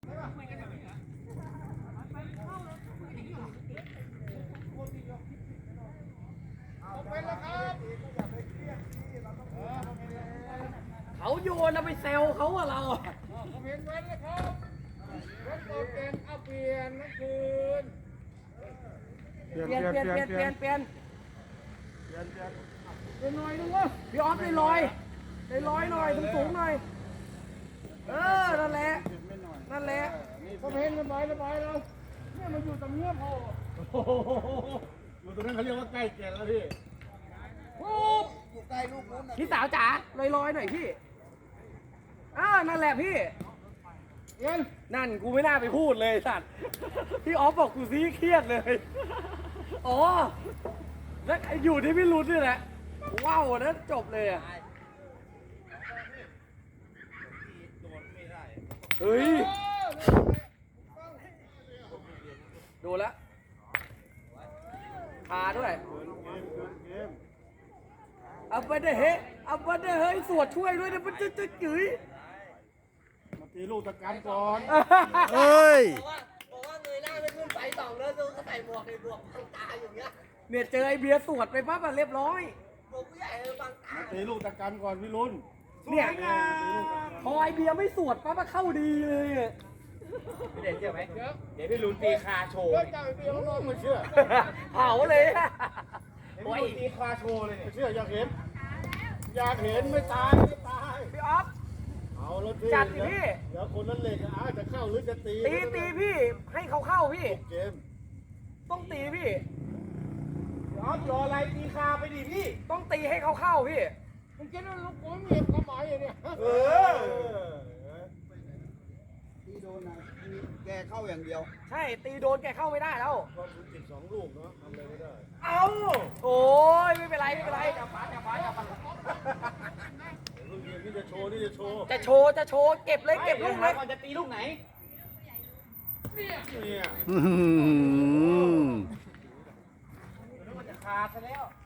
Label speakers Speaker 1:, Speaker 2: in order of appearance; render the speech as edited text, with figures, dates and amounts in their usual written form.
Speaker 1: เขาโยนเราไปเซลเขาอะเรา
Speaker 2: เห็นไว้นะครับรถตกเต็นเอาเปลี่ยนนั่นคืน
Speaker 1: เปลี่ยนเป็นหน่อยนึงวะพี่ออฟได้ลอยหน่อยสูงหน่อยนั่นแหละ
Speaker 2: ผมเห็นระบายแล้วเนี่ยมันอยู่ตรงเนี้ยพออยู่ตรงนั้นเขาเรียกว่าใกล้แก่แล้วพี่
Speaker 1: อยู่ใกล้ลูกนู้นพี่สาวจ๋าลอยหน่อยพี่นั่นแหละพี่นั่นกูไม่น่าไปพูดเลยสัตว์พี่ออฟบอกกูซีเครียดเลยอ๋อแล้วอยู่ที่พี่รุ้นนี่แหละว้าวนั้นจบเลยอะเฮ้ยโดนแล้วพาด้วยเอาไปเด้เฮ้ยสวดช่วยด้วยนะมันจะจื๋ย
Speaker 2: มาตีลูกตะการก่อน
Speaker 3: เฮ้ย
Speaker 1: บอกว่าเงยหน้าไปขึ้นไปสองแล้วดูก็ใส่หมวกในหมวกบังตาอย่างเงี้ยเนี่ยเจอไอเบียร์สวดไปปั๊บเรียบร้อยหมวกผู้ใหญ่บังตา
Speaker 2: ตีลูกตะการก่อนพี่รุ่น
Speaker 1: เนี่ยพอไอเบียร์ไม่สวดปั๊บเข้าดีเลย
Speaker 4: พี่เด่นเชื่อไหมเดี๋ยวพี่ลุ้นตีคาโชว์
Speaker 2: เจ้าไอ้เบียร์มันนอนมาเชื่อ
Speaker 1: เผาเลย
Speaker 4: โอ้ยตีคาโชว์เลย
Speaker 2: เชื่ออยากเห็นไม่ตาย
Speaker 1: พี่ออฟ
Speaker 2: เอาแล้วพี่
Speaker 1: จัดสิพี่
Speaker 2: เดี๋ยวคนนั้นเหล็กจะเข้าหรือจะตี
Speaker 1: พี่ให้เขาเข้าพี่
Speaker 2: เกม
Speaker 1: ต้องตีพี่
Speaker 4: รออะไรตีคาไปดิพี่
Speaker 1: ต้องตีให้เขาเข้าพี่
Speaker 2: มึงคิดว่าลูกผมเหยียบกระหม่อมเนี่ย
Speaker 3: ตีโดนนะแกเข้าอย่างเดียว
Speaker 1: ใช่ตีโดนแกเข้าไม่ได้แล้ว
Speaker 2: ก็คุณติด2 ลูกเนาะทำอะไรไม่ได้
Speaker 1: เอาโอ้ยไม่เป็นไร
Speaker 4: จับฟ้า
Speaker 2: ลูกนี่จะโชว์
Speaker 1: จะโชว์เก็บลูกเลย
Speaker 4: ก่อนจะตีลูกไหน
Speaker 2: เนี่ย
Speaker 3: อืม
Speaker 4: มันจะขาดซะแล้ว